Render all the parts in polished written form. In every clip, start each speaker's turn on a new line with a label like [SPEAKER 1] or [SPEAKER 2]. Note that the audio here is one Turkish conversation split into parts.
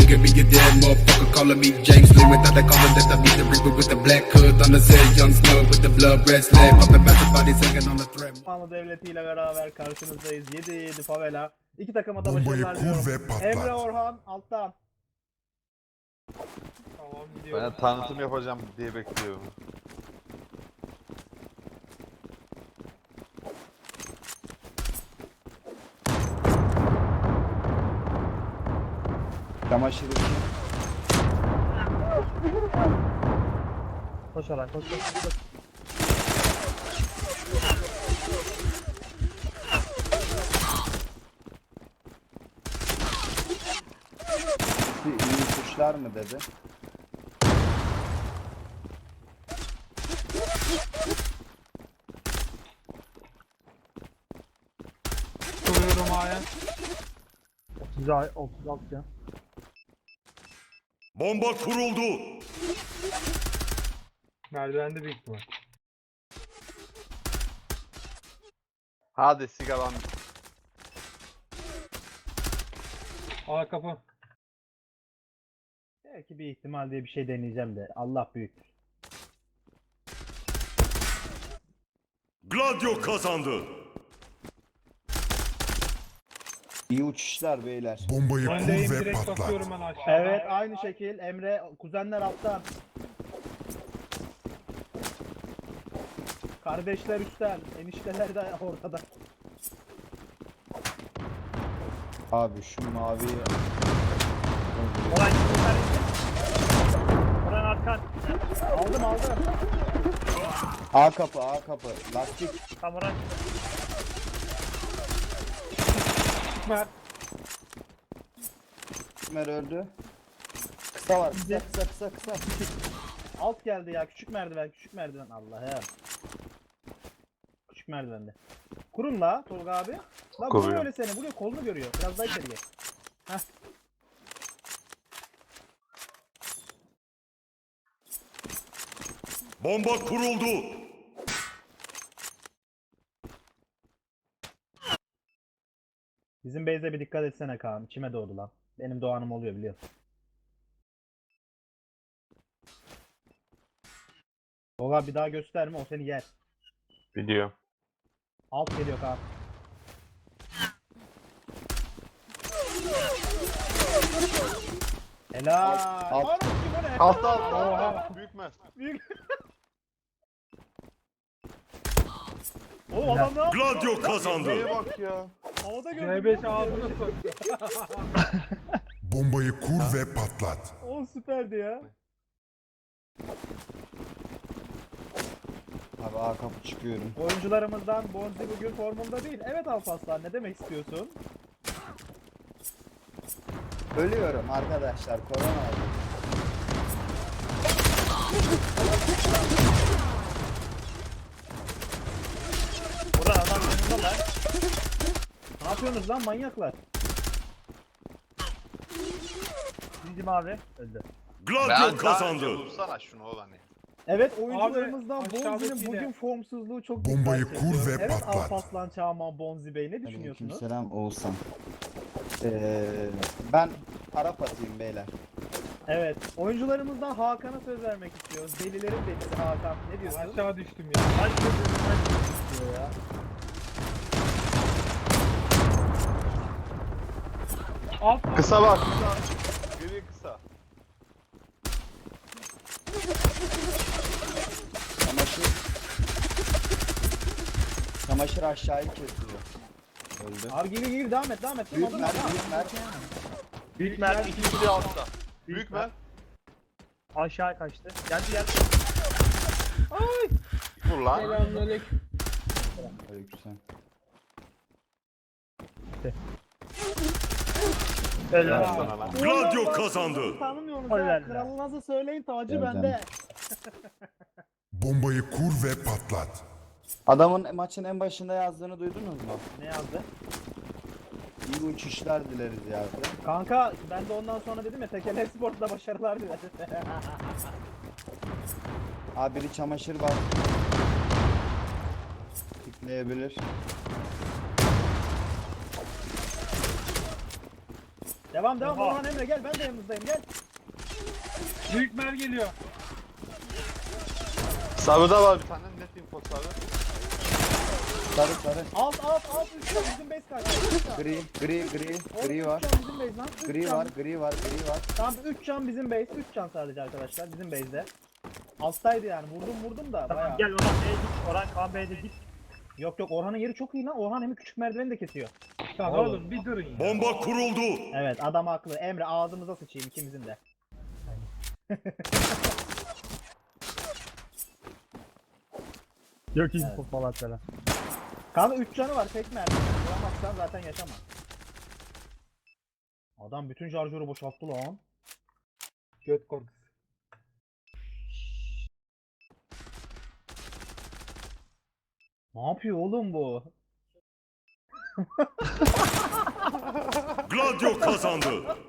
[SPEAKER 1] nigga be a dead motherfucker calling me James Lee without the collar that I be the reaper with the black hood on the set, young snug with the blood red slab, popping back the body second on the threat.
[SPEAKER 2] Osmanlı Devleti ile beraber karşınızdayız. 7-7 favela. İki takıma da
[SPEAKER 3] Bombayı
[SPEAKER 2] başarılar
[SPEAKER 3] kur
[SPEAKER 2] diliyorum.
[SPEAKER 3] ve patlat.
[SPEAKER 2] Emre Orhan alttan.
[SPEAKER 4] Tamam gidiyorum.
[SPEAKER 5] Ben tanıtım yapacağım diye bekliyorum.
[SPEAKER 6] Çamaşır için.
[SPEAKER 2] Koş Orhan koş koş koş.
[SPEAKER 6] İyi kuşlar mı dedi?
[SPEAKER 4] Kuruyorum aya.
[SPEAKER 2] 36 ya.
[SPEAKER 3] Bomba kuruldu.
[SPEAKER 4] Merdivende büyük ihtimal.
[SPEAKER 5] Hadi sigaram.
[SPEAKER 4] Aa kapı.
[SPEAKER 2] Belki bir ihtimal diye bir şey deneyeceğim de. Allah büyüktür.
[SPEAKER 3] Gladio kazandı.
[SPEAKER 6] İyi uçuşlar beyler.
[SPEAKER 3] Bombayı
[SPEAKER 4] Öndeyim,
[SPEAKER 3] kur ve
[SPEAKER 4] direkt
[SPEAKER 3] patlat.
[SPEAKER 4] bakıyorum ben aşağı.
[SPEAKER 2] Evet aynı şekil Emre kuzenler alttan. Kardeşler üstten, enişteler de ortada.
[SPEAKER 6] Abi şu mavi
[SPEAKER 2] Orhan Orhan arkan. Aldım.
[SPEAKER 6] A kapı lastik.
[SPEAKER 2] Tam Orhan.
[SPEAKER 4] Mert.
[SPEAKER 6] Mer öldü. Kısa var kısa.
[SPEAKER 2] Alt geldi ya küçük merdiven Allah'ım. Küçük merdivende. Kurun la Tolga abi. La
[SPEAKER 5] Kuruyor.
[SPEAKER 2] vuruyor öyle seni vuruyor kolunu görüyor. Biraz daha içeri gel. Heh.
[SPEAKER 3] Bomba kuruldu.
[SPEAKER 2] Bizim base'e bir dikkat etsene Kaan. İçime doğdu lan. Benim doğanım oluyor biliyorsun. Tolga bir daha gösterme o seni yer.
[SPEAKER 5] Biliyorum.
[SPEAKER 2] Alt geliyor Kaan. Helal.
[SPEAKER 6] Alt.
[SPEAKER 2] Lan kim o ne?
[SPEAKER 5] Altta. Büyük mü?
[SPEAKER 2] Büyük. Oğlum adam ne yaptı?
[SPEAKER 3] Gladio kazandı.
[SPEAKER 5] Neye bak ya.
[SPEAKER 2] Havada gördüm.
[SPEAKER 4] C5 ağzına soktu.
[SPEAKER 3] Bombayı kur ve patlat.
[SPEAKER 2] O süperdi ya.
[SPEAKER 6] Abi A kapı çıkıyorum.
[SPEAKER 2] Oyuncularımızdan Bonzi bugün formunda değil. Evet Alparslan ne demek istiyorsun?
[SPEAKER 6] Ölüyorum arkadaşlar korona oldu.
[SPEAKER 2] Ulan adam yanında lan. Ne yapıyorsunuz lan manyaklar? Bizim abi öldü.
[SPEAKER 3] Gladio kazandı.
[SPEAKER 5] Vursana şunu olan ya.
[SPEAKER 2] Evet oyuncularımızdan
[SPEAKER 4] Abi,
[SPEAKER 2] Bonzi'nin
[SPEAKER 4] aşağıdakiyle.
[SPEAKER 2] bugün formsuzluğu çok
[SPEAKER 3] Bombayı
[SPEAKER 2] dikkat
[SPEAKER 3] kur
[SPEAKER 2] çekiyor.
[SPEAKER 3] ve
[SPEAKER 2] Evet
[SPEAKER 3] patlat.
[SPEAKER 2] Alparslan Çağman Bonzi Bey ne düşünüyorsunuz?
[SPEAKER 6] Aleykümselam Oğuzhan. Ben Arap atayım beyler.
[SPEAKER 2] Evet oyuncularımızdan Hakan'a söz vermek istiyoruz. Delilerin delisi Hakan ne diyorsun?
[SPEAKER 4] Aşağı düştüm ya.
[SPEAKER 2] diyor ya.
[SPEAKER 4] Alt
[SPEAKER 5] Kısa bak. Gri kısa.
[SPEAKER 6] Çamaşır aşağıyı kesiyor. Öldü.
[SPEAKER 2] Abi gir devam et.
[SPEAKER 6] Büyük
[SPEAKER 2] Tamam,
[SPEAKER 6] mer,
[SPEAKER 2] tamam.
[SPEAKER 6] büyük mer.
[SPEAKER 5] Büyük Mert ikinci de altta. Büyük Mert.
[SPEAKER 2] Aşağı kaçtı. Geldi.
[SPEAKER 5] Vur lan.
[SPEAKER 4] Selamünaleyküm.
[SPEAKER 6] Aleykümselam.
[SPEAKER 5] Helal sana lan.
[SPEAKER 3] Gladio kazandı.
[SPEAKER 2] Tanımıyoruz ya. Kralınızı söyleyin tacı
[SPEAKER 6] Evet,
[SPEAKER 2] bende.
[SPEAKER 3] Bombayı kur ve patlat.
[SPEAKER 6] Adamın maçın en başında yazdığını duydunuz mu?
[SPEAKER 2] Ne yazdı?
[SPEAKER 6] İyi uçuşlar dileriz yazdı.
[SPEAKER 2] Kanka ben de ondan sonra dedim ya Tekel Esport'ta başarılar dilerim.
[SPEAKER 6] Abi biri çamaşır var. Tıklayabilir.
[SPEAKER 2] Devam devam
[SPEAKER 4] Oha.
[SPEAKER 2] Orhan Emre gel ben de yanınızdayım gel.
[SPEAKER 4] Büyük mer geliyor.
[SPEAKER 5] Sarıda var bir tane net info sarı.
[SPEAKER 6] Sarı sarı.
[SPEAKER 2] Alt üç can bizim base kaçtı.
[SPEAKER 6] Gri var.
[SPEAKER 2] Üç can bizim base lan. Üç
[SPEAKER 6] Gri
[SPEAKER 2] can.
[SPEAKER 6] var, gri var, gri var.
[SPEAKER 2] Tamam 3 can bizim base. 3 can sadece arkadaşlar bizim base'de. Alttaydı yani vurdum da bayağı.
[SPEAKER 7] Gel Orhan B'ye git. Orhan Kaan B'ye git.
[SPEAKER 2] Yok Orhan'ın yeri çok iyi lan. Orhan hem küçük merdiveni de kesiyor.
[SPEAKER 4] Lan oğlum bir durun ya.
[SPEAKER 3] Bomba kuruldu.
[SPEAKER 2] Evet adam haklı. Emre ağzımıza sıçayım ikimizin de.
[SPEAKER 7] Yok info falan falan.
[SPEAKER 2] Kanka 3 canı var tek merdiven. Vuramazsan zaten yaşama. Adam bütün şarjörü boşalttı lan.
[SPEAKER 4] Göt korkusu.
[SPEAKER 2] Ne yapıyor oğlum bu?
[SPEAKER 3] Gladio kazandı.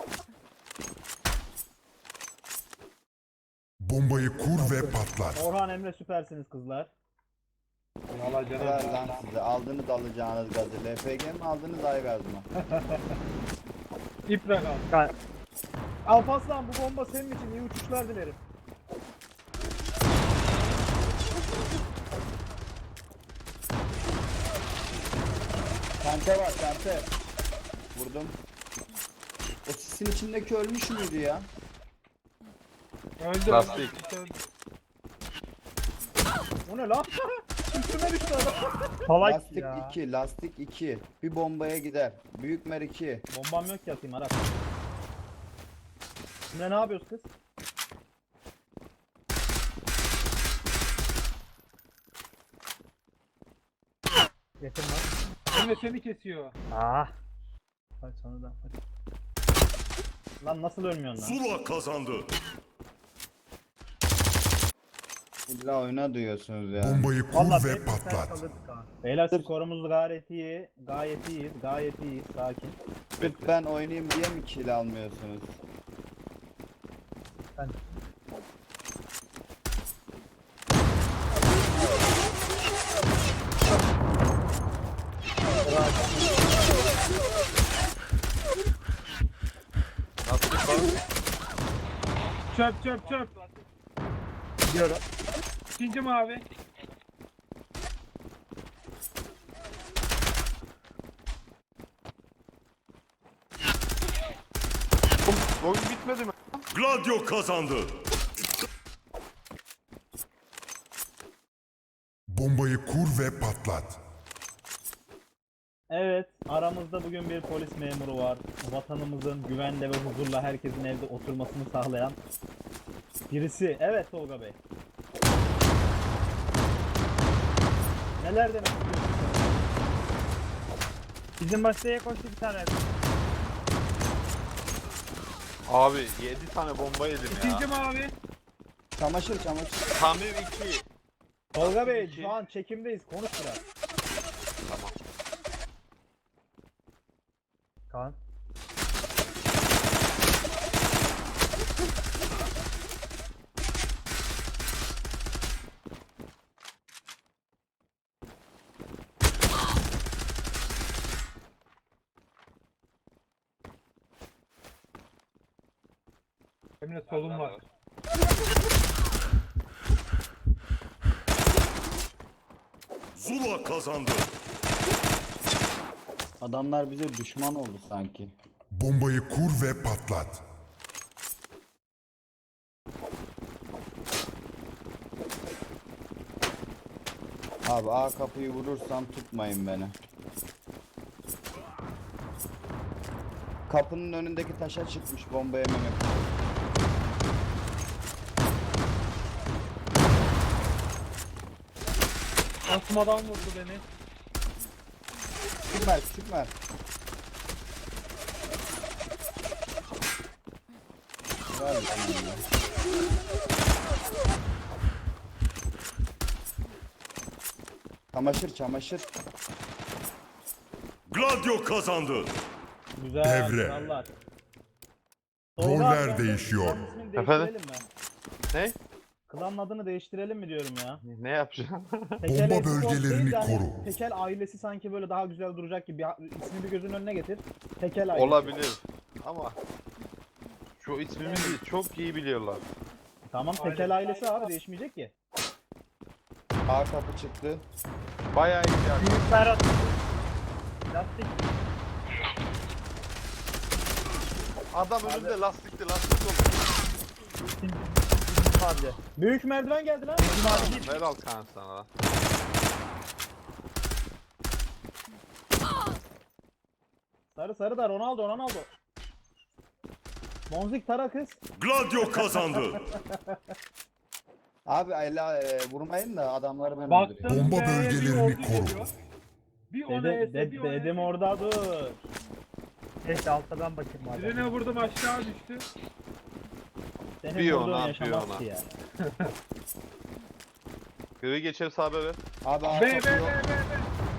[SPEAKER 3] Bombayı kur ve patlat.
[SPEAKER 2] Orhan Emre süpersiniz kızlar.
[SPEAKER 4] Valla canım.
[SPEAKER 6] Helal lan size. Aldınız alacağınız gazı. LPG mi aldınız Aygaz mı?
[SPEAKER 4] İprak al.
[SPEAKER 2] Alparslan bu bomba senin için iyi uçuşlar dilerim.
[SPEAKER 6] Kante var kante. Vurdum. O sisin içindeki ölmüş müydü ya?
[SPEAKER 4] Öldü.
[SPEAKER 5] Lastik.
[SPEAKER 4] Öldü.
[SPEAKER 2] O ne lan? Üstüme düştü adam.
[SPEAKER 7] Salak
[SPEAKER 6] Lastik
[SPEAKER 7] ya.
[SPEAKER 6] 2, lastik 2. Bir bombaya gider. Büyük mer 2.
[SPEAKER 2] Bombam yok ki atayım Aras. Şimdi ne yapıyoruz kız?
[SPEAKER 7] Yetim lan.
[SPEAKER 4] Emre seni kesiyor.
[SPEAKER 7] Ah. Hadi sana da. Hadi.
[SPEAKER 2] Lan nasıl ölmüyorsun lan?
[SPEAKER 3] Zula kazandı.
[SPEAKER 6] İlla oyuna duyuyorsunuz ya.
[SPEAKER 3] Bombayı kur
[SPEAKER 2] Vallahi
[SPEAKER 3] ve
[SPEAKER 2] benim
[SPEAKER 3] patlat.
[SPEAKER 7] Kalırdık ha.
[SPEAKER 2] Beyler skorumuz gayet iyi. Gayet iyiyiz. Sakin.
[SPEAKER 6] Sırf ben oynayayım diye mi kill almıyorsunuz?
[SPEAKER 5] Lastik var.
[SPEAKER 4] Çöp.
[SPEAKER 7] Gidiyorum.
[SPEAKER 4] İkinci mavi.
[SPEAKER 5] Oyun bitmedi mi?
[SPEAKER 3] Gladio kazandı. Bombayı kur ve patlat.
[SPEAKER 2] Evet, aramızda bugün bir polis memuru var. Vatanımızın güvenle ve huzurla herkesin evde oturmasını sağlayan birisi. Evet Tolga Bey. Neler demek istiyorsun?
[SPEAKER 7] Bizim baştaya koştu bir tane.
[SPEAKER 5] Abi 7 tane bomba yedim
[SPEAKER 4] İkinci
[SPEAKER 5] ya.
[SPEAKER 4] mavi.
[SPEAKER 6] Çamaşır.
[SPEAKER 5] Tamir 2.
[SPEAKER 2] Tolga Bey şu an çekimdeyiz. Konuş biraz.
[SPEAKER 5] Tamam.
[SPEAKER 7] Kaan.
[SPEAKER 4] Emre solun var.
[SPEAKER 3] Zula kazandı.
[SPEAKER 6] Adamlar bize düşman oldu sanki.
[SPEAKER 3] Bombayı kur ve patlat.
[SPEAKER 6] Abi A kapıyı vurursam tutmayın beni. Kapının önündeki taşa çıkmış bomba yememek.
[SPEAKER 4] Asmadan vurdu beni.
[SPEAKER 6] Küçük mer. Ver bana ya. Çamaşır.
[SPEAKER 3] Gladio kazandı.
[SPEAKER 2] Güzel.
[SPEAKER 3] Devre.
[SPEAKER 2] krallar.
[SPEAKER 3] Roller
[SPEAKER 2] abi,
[SPEAKER 3] değişiyor.
[SPEAKER 2] klanın ismini
[SPEAKER 5] Efendim?
[SPEAKER 2] değiştirelim mi?
[SPEAKER 5] Ne?
[SPEAKER 2] Klanın adını değiştirelim mi diyorum ya?
[SPEAKER 5] Ne yapacaksın?
[SPEAKER 2] Tekel
[SPEAKER 3] Bomba
[SPEAKER 2] Esport değil
[SPEAKER 3] bölgelerini
[SPEAKER 2] de hani
[SPEAKER 3] koru.
[SPEAKER 2] Tekel ailesi sanki böyle daha güzel duracak gibi. İsmi bir gözünün önüne getir. Tekel ailesi.
[SPEAKER 5] Olabilir. ama şu ismimizi çok iyi biliyorlar.
[SPEAKER 2] Tamam Tekel ailesi abi değişmeyecek ki.
[SPEAKER 6] A kapı çıktı.
[SPEAKER 5] Bayağı iyi yani.
[SPEAKER 7] Büyük Berat. Lastik.
[SPEAKER 5] Adam önünde lastikli oldu.
[SPEAKER 7] İkinci abi.
[SPEAKER 2] Büyük merdiven geldi lan.
[SPEAKER 5] Helal Kaan sana lan.
[SPEAKER 2] Sarı da Ronaldo. Monzik tara kız.
[SPEAKER 3] Gladio kazandı.
[SPEAKER 6] Abi vurmayın da adamları ben
[SPEAKER 4] Baktım.
[SPEAKER 6] öldürüyorum.
[SPEAKER 3] Bomba
[SPEAKER 4] B'ye bir
[SPEAKER 3] bölgelerini
[SPEAKER 4] ordu
[SPEAKER 3] koru.
[SPEAKER 4] geliyor. Bir ona ese, bir ona
[SPEAKER 2] Dedim
[SPEAKER 4] ese.
[SPEAKER 2] orada dur.
[SPEAKER 7] Neyse altta ben bakayım madem.
[SPEAKER 4] Birine vurdum aşağı düştü.
[SPEAKER 2] Senin
[SPEAKER 5] Bir
[SPEAKER 2] vurduğun
[SPEAKER 5] ona,
[SPEAKER 2] yaşamaz
[SPEAKER 5] bir ona.
[SPEAKER 2] ki ya.
[SPEAKER 5] Gri geçer sahabe ver.
[SPEAKER 6] Abi A
[SPEAKER 4] B
[SPEAKER 6] kapı
[SPEAKER 4] B
[SPEAKER 6] yok.
[SPEAKER 4] B B.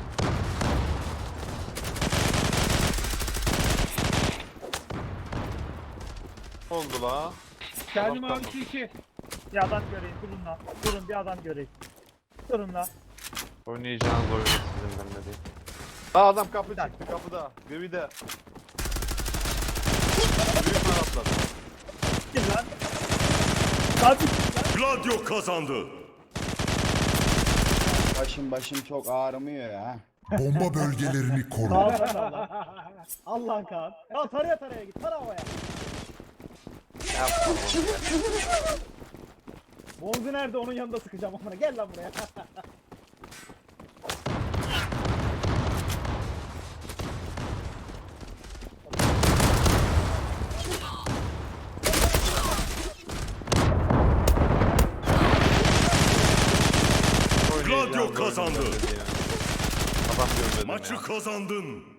[SPEAKER 5] Ne oldu la?
[SPEAKER 4] Kendim
[SPEAKER 5] Tamam,
[SPEAKER 4] abi
[SPEAKER 5] tamam.
[SPEAKER 4] 2-2.
[SPEAKER 7] Bir adam göreyim durun la. Durun bir adam göreyim. Durun la.
[SPEAKER 5] Oynayacağınız oyunu sizin ben de değil. Aa adam kapı çıktı kapıda. Gri'de. Büyük mer atladı.
[SPEAKER 7] Gel lan. Hadi.
[SPEAKER 3] Gladio kazandı.
[SPEAKER 6] Başım çok ağrımıyor ya.
[SPEAKER 3] Bomba bölgelerini koru.
[SPEAKER 2] Kaan sen Allah. Allah Kaan. Ya taraya git. Tara havaya.
[SPEAKER 5] Yapma oğlum ya.
[SPEAKER 2] Monzi nerede? Onun yanında sıkacağım amına. Gel lan buraya.
[SPEAKER 5] Oynayacağınız
[SPEAKER 3] Gladio
[SPEAKER 5] oyunu
[SPEAKER 3] kazandı.
[SPEAKER 5] ben de değil yani. Adam görmedi
[SPEAKER 3] Maçı
[SPEAKER 5] ya.
[SPEAKER 3] kazandın.